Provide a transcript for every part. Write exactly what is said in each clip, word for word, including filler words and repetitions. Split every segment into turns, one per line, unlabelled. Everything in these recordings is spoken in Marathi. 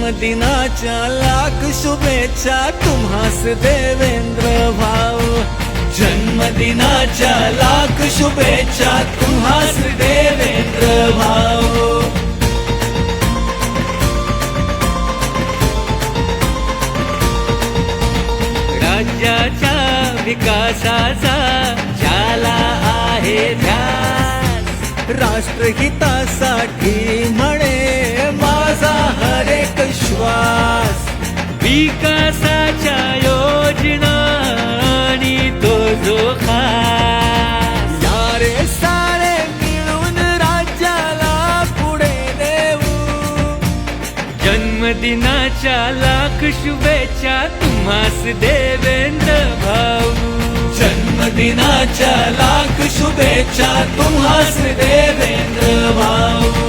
जन्मदिनाच्या लाख शुभेच्छा तुम्हास देवेंद्र भाऊ. जन्मदिनाच्या लाख शुभेच्छा तुम्हास देवेंद्र भाऊ. राज्याच्या विकासाचा ज्याला आहे ध्यास, राष्ट्रहितासाठी म्हणे माझा हरेक श्वास. विकासाच्या योजना आणि तो जो खास, सारे सारे मिळून राज्याला पुढे नेऊ. जन्मदिनाच्या लाख शुभेच्छा तुम्हास देवेंद्र भाऊ. जन्मदिनाच्या लाख शुभेच्छा तुम्हास देवेंद्र भाऊ.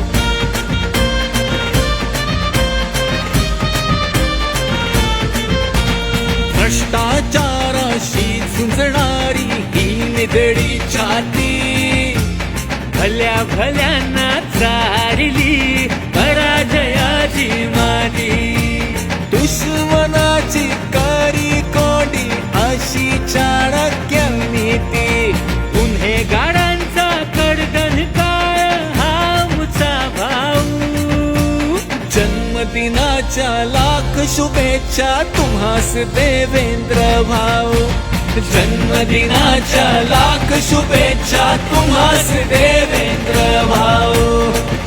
भ्रष्टाचाराशी झुंजणारी ही निधडी छाती, भल्या भल्यांना चारली पराजयाची माती. दुश्मनाची करी कोंडी अशी चाणक्य नीती, गुन्हेगारांचा कडकन काळ हा मुचा भाऊ. जन्मदिनाच्या लाख शुभेच्छा तुम्हास देवेंद्र भाऊ. जन्मदिनाच्या लाख शुभेच्छा तुम्हास देवेंद्र भाऊ.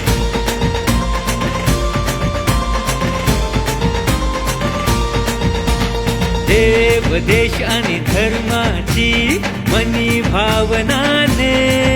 देव देश आणि धर्माची मनी भावनाने,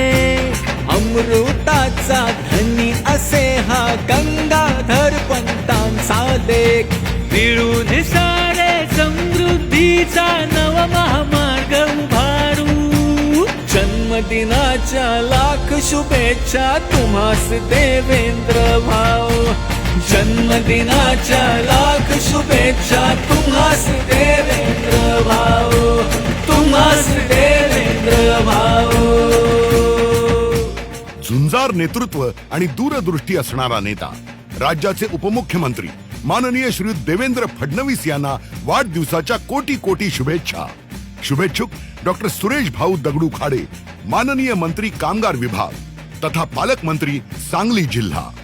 अमृताचा धनी असे हा गंगाधर पंतांचा लेख. मिळून सारे समृद्धीचा नव महामार्ग उभारू. जन्मदिनाच्या लाख शुभेच्छा तुम्हास देवेंद्र भाऊ. जन्मदिनाच्या लाख शुभेच्छा तुम्हास देवेंद्र भाऊ. तुम्हास देवेंद्र भाऊ.
झुंजार नेतृत्व आणि दूरदृष्टी असणारा नेता, राज्याचे उपमुख्यमंत्री माननीय श्री देवेंद्र फडणवीस यांना वाढदिवसाच्या कोटी कोटी शुभेच्छा. शुभेच्छुक डॉक्टर सुरेश भाऊ दगडू खाडे, माननीय मंत्री कामगार विभाग तथा पालकमंत्री सांगली जिल्हा.